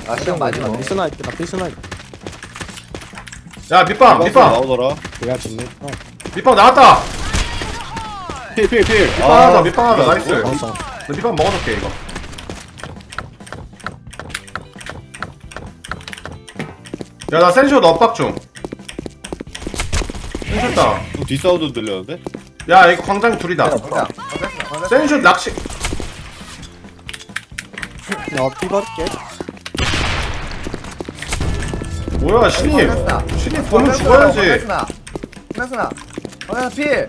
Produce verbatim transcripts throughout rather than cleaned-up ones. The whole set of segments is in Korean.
아 시간 많이 나 걸네. 피스나 있다. 피스나 있다. 야 밑방 밑방 나오더라. 내가 짓네. 어. 밑방 나왔다. 필필필. 밑방 하자 밑방 하자 나이스. 알았어. 나 밑방 먹어줄게 이거. 야 나 센쇼 엇박 중. 센쇼 다운. 뒷사운드 들렸는데? 야 이거 광장 둘이다. 뭐야? 방패스나 방패스나. 센쇼 낚시. 야, 피 버릴게. 뭐야 신입. 방패스나. 신입 보면 죽어야지. 방패스나. 방패스나. 방패스나 필.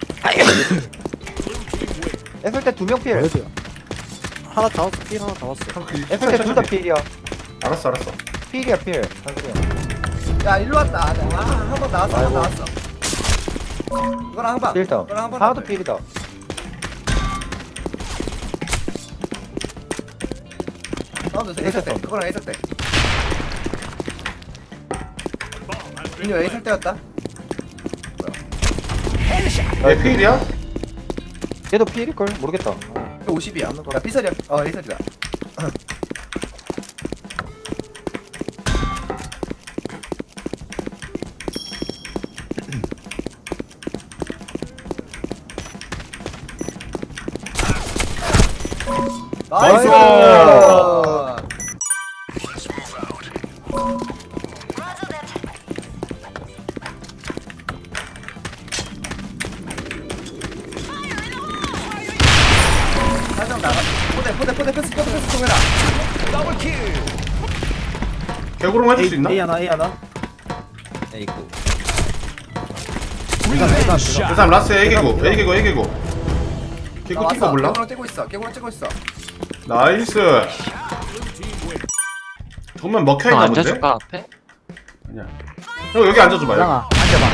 에플 때두 명 필. 뭐야? 하나 잡았어. 피 하나 잡았어. 에플 때둘 다 필이야. 알았어 알았어. 필이야 필. 야 일로 왔다. 아한 번 나왔어. 한 번 나왔어. 이거랑 한 번. 필다. 이거랑 한 번. 하나도 필이다. 나도 에이설 때. 그거랑 에이설 때. 민규 에이설 때였다. 얘 필이야? 얘도 필일걸? 모르겠다. 오십이야. 야 피설이야. 어 에이설이다. 나이스! 살짝 나가. 포대 포대 포대 패스 포대 패스 통해라. 개구롱 해줄 수 있나? A 하나, A 하나. 에이구. 그 사람 라스 애기고 애기고 애기고. 개구 뛴거 몰라? 깨구랑 떼고 있어. 깨구랑 떼고 있어. 나이스. 정말 먹혀있나 형 본데? 앉아줄까 앞에? 아니야. 형 여기 앉아줘봐 여기. 말랑아 앉아봐.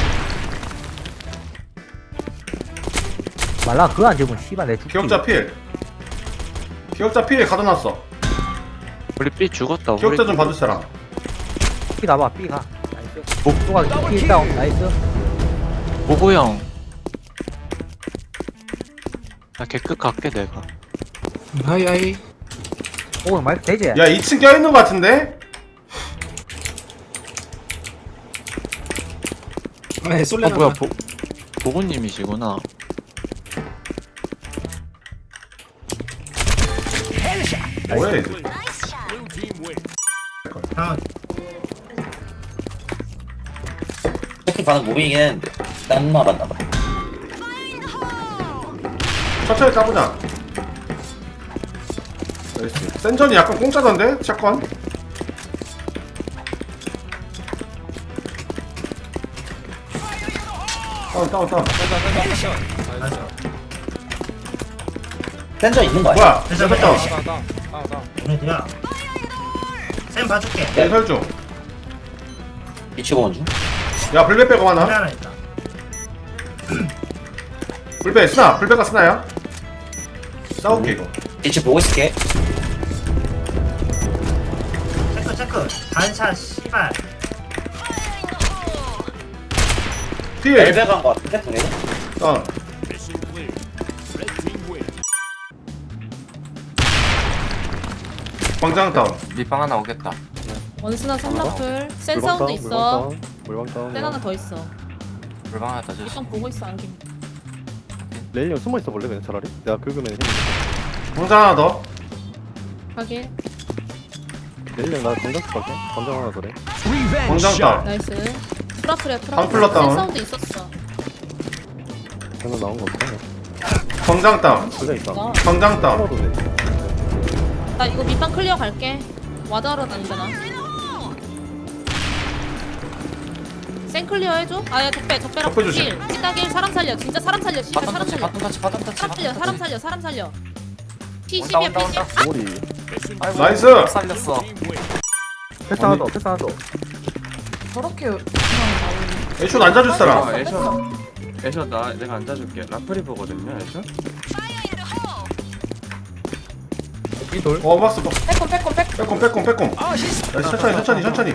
말랑아 그거 앉으면 씨발 내 죽기. 기억자 필. 기억자 필 가둬놨어. 우리 B 죽었다. 우리 기억자 좀 받을 사람. 삐 가봐 삐 가. 나이스. 목조가 삐 다운 나이스. 보고 형. 나 개끝 갈게 내가. 하이 하이. 오 마이크 되지? 야 이 층 껴있는 거 같은데? 아, 쏠래. 아 뭐야 보 보고님이시구나. 뭐야 얘들. 특히 반응 무빙이긴 했는데 딴 말았나봐. 천천히 까보자. 나이스. 센전이 약간 공짜던데? 샷건? 다운 다운 다운. 센저 있는 거 아니야? 뭐야? 센전 다운. 그래도야 쌤 봐줄게. 예설 중. 미치고 온 중. 야 불배 빼고 하나 하나. 하나 있다. 불배 스나. 불배가 스나야? 싸울게 이거. 빛이 보고 있을게. 체크 체크. 반샷 씨발. 필. 엘베 간거 같은데 동네. 다운. 광장 다운. 밑방 하나 오겠다. 원스나 삼라플 센 물방 사운드 다운, 있어. 물방 다운. 센 하나 더 있어. 물방 하나 더 줬어. 일단 보고 있어 안김. 레일리 형 숨어 있어 볼래 그냥 차라리? 내가 긁으면 힘. 광장 하나 더. 하게 레일리 형나 건강 쓸게. 건강 하나 더래. 광장 다운. 나이스. 프라플이야 프라플. 방플러 다운. 센 사운드 있었어. 방금 나온 거 없어. 광장 다운. 그래 있다. 나, 광장 다운. 떨어도 돼. 나 이거 밑방 클리어 갈게. 와드하러 다니잖아. 센 클리어 해줘. 아야 적배 적배랑 적배 조심. 길. 찌따길 사람 살려. 진짜 사람 살려. 진짜 사람 살려. 바텀 터치 바텀 터치 사람 살려. 사람 살려. 사람 살려. 피 온다, 십이야 온다, 피 십. 온다. 머리. 나이스. 살렸어. 패스 하나 더 패스 하나 더. 저렇게 그냥 나오네. 애쇼 앉아줄 사람. 아 애셔. 애셔 나 내가 앉아줄게. 라프리 보거든요 애셔. 삐돌. 어 봤어. 빼꼼 빼꼼 빼꼼. 빼꼼 빼꼼 빼꼼. 나이스, 천천히 천천히 천천히.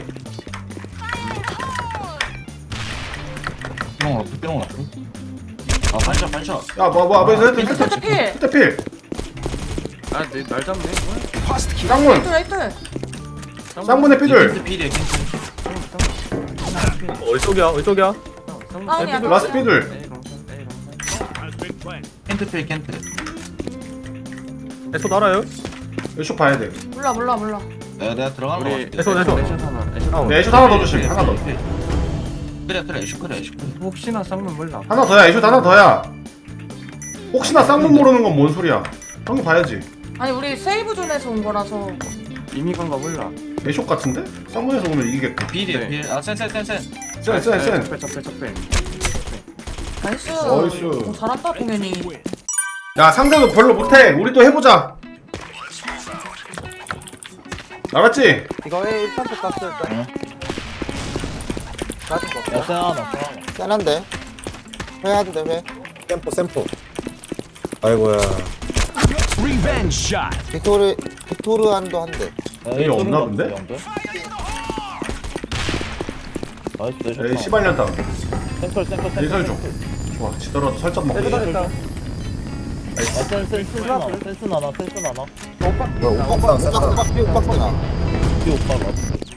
뿅 라프 뿅 라프. 아 반샷 반샷. 야뭐뭐 앞에서 헤드 센터 헤드 필. 헤드 필. 아내날 잡네. 깡문. 라이트 라이트. 쌍문의 피들. 필이야 캔트. 어디 쪽이야? 어디 쪽이야? 다운이야, 다운. 라스 피들. 캔트 필 캔트. 애초 알아요? 애쇼 봐야 돼. 몰라 몰라 몰라. 내가 내가 들어간 거 우리 같아. 애초, 애초. 애쇼 하나 애쇼 다운. 네, 애쇼 하나 더 조심. 하나 더. 그래 그래 애쇼 그래 애쇼 그래. 혹시나 쌍문 몰라. 하나 더야. 애쇼 하나 더야. 혹시나 쌍문 모르는 건 뭔 소리야? 형이 봐야지. 아니 우리 세이브 존에서 온 거라서. 이미 간거 몰라. 애쇼 같은데? 쌍문에서 오면 이기겠다. 필이야 네. 필. 아센센센센. 센, 센, 센. 적배 적배 적배. 나이스. 나이스. 오, 잘한다 동현이. 야, 상대도 별로 못해. 우리 또 해보자. 알았지? 이거 왜 일단 또 깠어 일단. 응. 맞은 거 없어. 야 세하나 세하나. 짠한데? 회 하도 돼, 회. 샘포 샘포. 아이고야. 빅토르, 빅토르안도 한대. 이게 없나 본데? 에이, 씨발년 다운. 센터 센터 센터. 예설 좀. 좋아, 지더라도 살짝 먹고. 일단 일단. 아 센 센스 나나 센스 나나 센스 나나. 뭐야, 오빡, 오빡, 오빡, 삐 오빡 되나? 이 오빠가.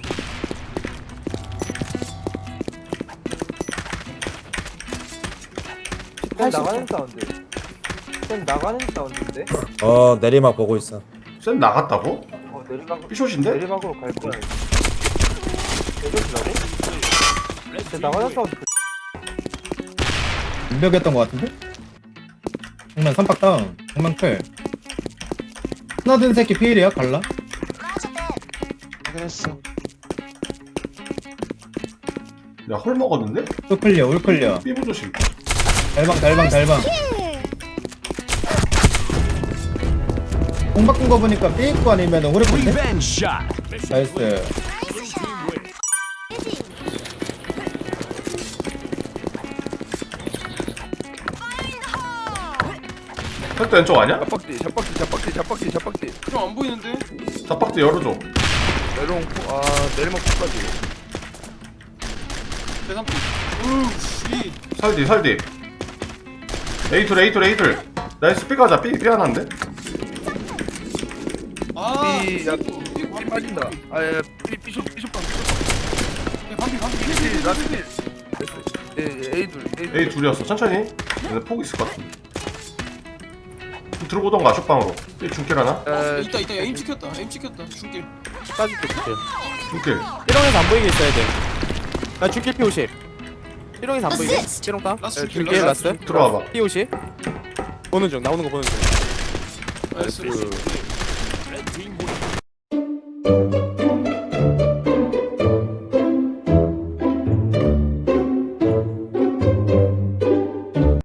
쌤 나가는 사운드. 쌤 나가는 사운드인데? 어 내리막 보고 있어. 쌤 나갔다고? 어 내리막 피숏인데? 내리막으로 갈 거야. 내려주라고? 쌤 나가는 사운드. 인벽이었던 것 같은데? 정면 삼박 다운. 정면 클. 하나 든 새끼 피일이야 갈라? 야, 헐 먹었는데? 또 클리어 올 클리어. 삐부 조심. 달방 달방 달방. 공 바꾼 거 보니까 삐 있고 아니면 오래건데? 나이스. 혈도 왼쪽 아니야? 잡박지 잡박지 잡박지 잡박지 잡박지 형안 보이는데? 잡박지 열어줘. 내려온 포- 아 내리막 포까지 대삼. 살디, 살디. 에이툴, 에이툴, 에이툴. 나이스, 삐 가자. 삐, 삐 하나인데? 삐야 삐 빠진다 아야 삐 삐쇼 삐쇼빵 반피 반피 삐 라스 삐 에이둘 에이둘 에이, 둘이었어. 천천히. 근데 폭 있을 것 같은데. 들어보던가, 쇼방으로. 삐 중길 하나? 아 있다 있다. 에임 찍혔다. 에임 찍혔다. 중길. 빠질게 줄게. 중길. 삐롱에서 안 보이게 있어야 돼. 나 줄게 피 오십. 삐롱에서 안 보이게. 삐롱 따. 라스 네, 줄게, 줄게 라스 라스. 들어와봐. 피 오십. 보는 중 나오는 거 보는 중. 나이스. 나이스.